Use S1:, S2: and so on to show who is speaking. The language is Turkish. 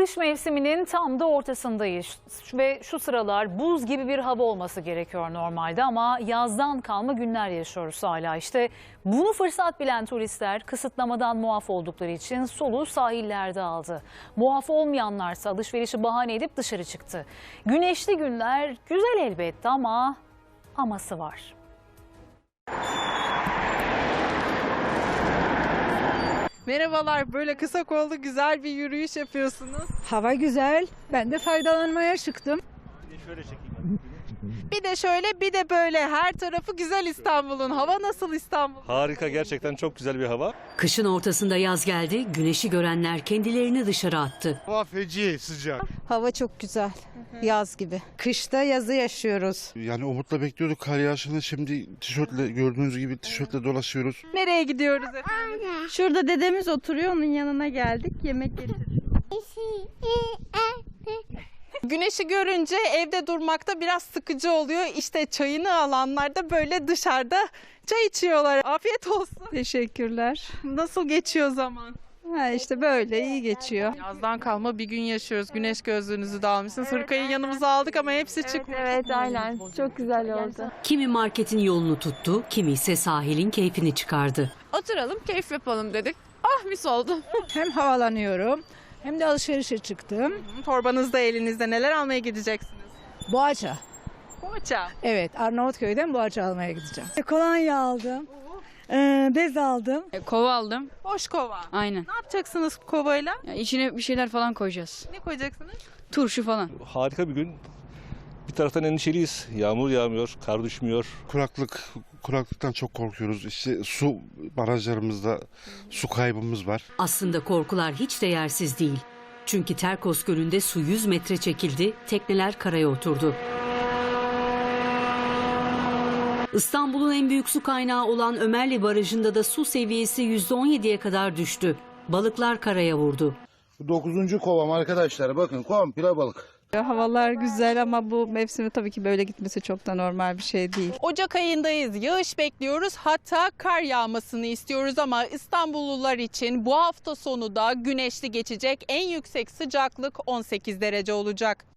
S1: Kış mevsiminin tam da ortasındayız ve şu sıralar buz gibi bir hava olması gerekiyor normalde ama yazdan kalma günler yaşıyoruz hala. İşte bunu fırsat bilen turistler kısıtlamadan muaf oldukları için soluğu sahillerde aldı. Muaf olmayanlarsa alışverişi bahane edip dışarı çıktı. Güneşli günler güzel elbette ama aması var.
S2: Merhabalar, böyle kısa kollu güzel bir yürüyüş yapıyorsunuz.
S3: Hava güzel. Ben de faydalanmaya çıktım.
S2: Bir de şöyle bir de böyle, her tarafı güzel İstanbul'un. Hava nasıl İstanbul?
S4: Harika, gerçekten çok güzel bir hava.
S5: Kışın ortasında yaz geldi, güneşi görenler kendilerini dışarı attı.
S6: Hava feci sıcak.
S7: Hava çok güzel. Yaz gibi.
S3: Kışta yazı yaşıyoruz.
S6: Yani umutla bekliyorduk kar yağışını. Şimdi tişörtle, gördüğünüz gibi tişörtle dolaşıyoruz.
S2: Nereye gidiyoruz efendim?
S7: Şurada dedemiz oturuyor, onun yanına geldik. Yemek getirdik.
S2: Güneşi görünce evde durmakta biraz sıkıcı oluyor. İşte çayını alanlar da böyle dışarıda çay içiyorlar. Afiyet olsun.
S7: Teşekkürler.
S2: Nasıl geçiyor zaman?
S7: Ha işte böyle iyi geçiyor.
S2: Yazdan kalma bir gün yaşıyoruz. Güneş gözlüğünüzü de almışsınız. Hırkayı yanımıza aldık ama hepsi çıkmış.
S7: Evet aynen. Çok güzel oldu.
S5: Kimi marketin yolunu tuttu, kimi ise sahilin keyfini çıkardı.
S2: Oturalım, keyif yapalım dedik. Ah, mis oldu.
S3: Hem havalanıyorum hem de alışverişe çıktım.
S2: Torbanızda elinizde, neler almaya gideceksiniz?
S3: Boğaça.
S2: Poğaça.
S3: Evet, Arnavutköy'den Boğaça almaya gideceğim. Kolonya aldım. Bez aldım.
S8: Kova aldım.
S2: Boş kova.
S8: Aynen.
S2: Ne yapacaksınız kovayla?
S8: Ya içine bir şeyler falan koyacağız.
S2: Ne koyacaksınız?
S8: Turşu falan.
S4: Harika bir gün. Bir taraftan endişeliyiz. Yağmur yağmıyor, kar düşmüyor.
S6: Kuraklıktan çok korkuyoruz. İşte su barajlarımızda su kaybımız var.
S5: Aslında korkular hiç de yersiz değil. Çünkü Terkos Gölü'nde su 100 metre çekildi, tekneler karaya oturdu. İstanbul'un en büyük su kaynağı olan Ömerli Barajı'nda da su seviyesi %17'ye kadar düştü. Balıklar karaya vurdu.
S9: 9. kovam arkadaşlar, bakın komple balık.
S7: Havalar güzel ama bu mevsimi tabii ki böyle gitmesi çok da normal bir şey değil.
S2: Ocak ayındayız. Yağış bekliyoruz. Hatta kar yağmasını istiyoruz ama İstanbullular için bu hafta sonu da güneşli geçecek. En yüksek sıcaklık 18 derece olacak.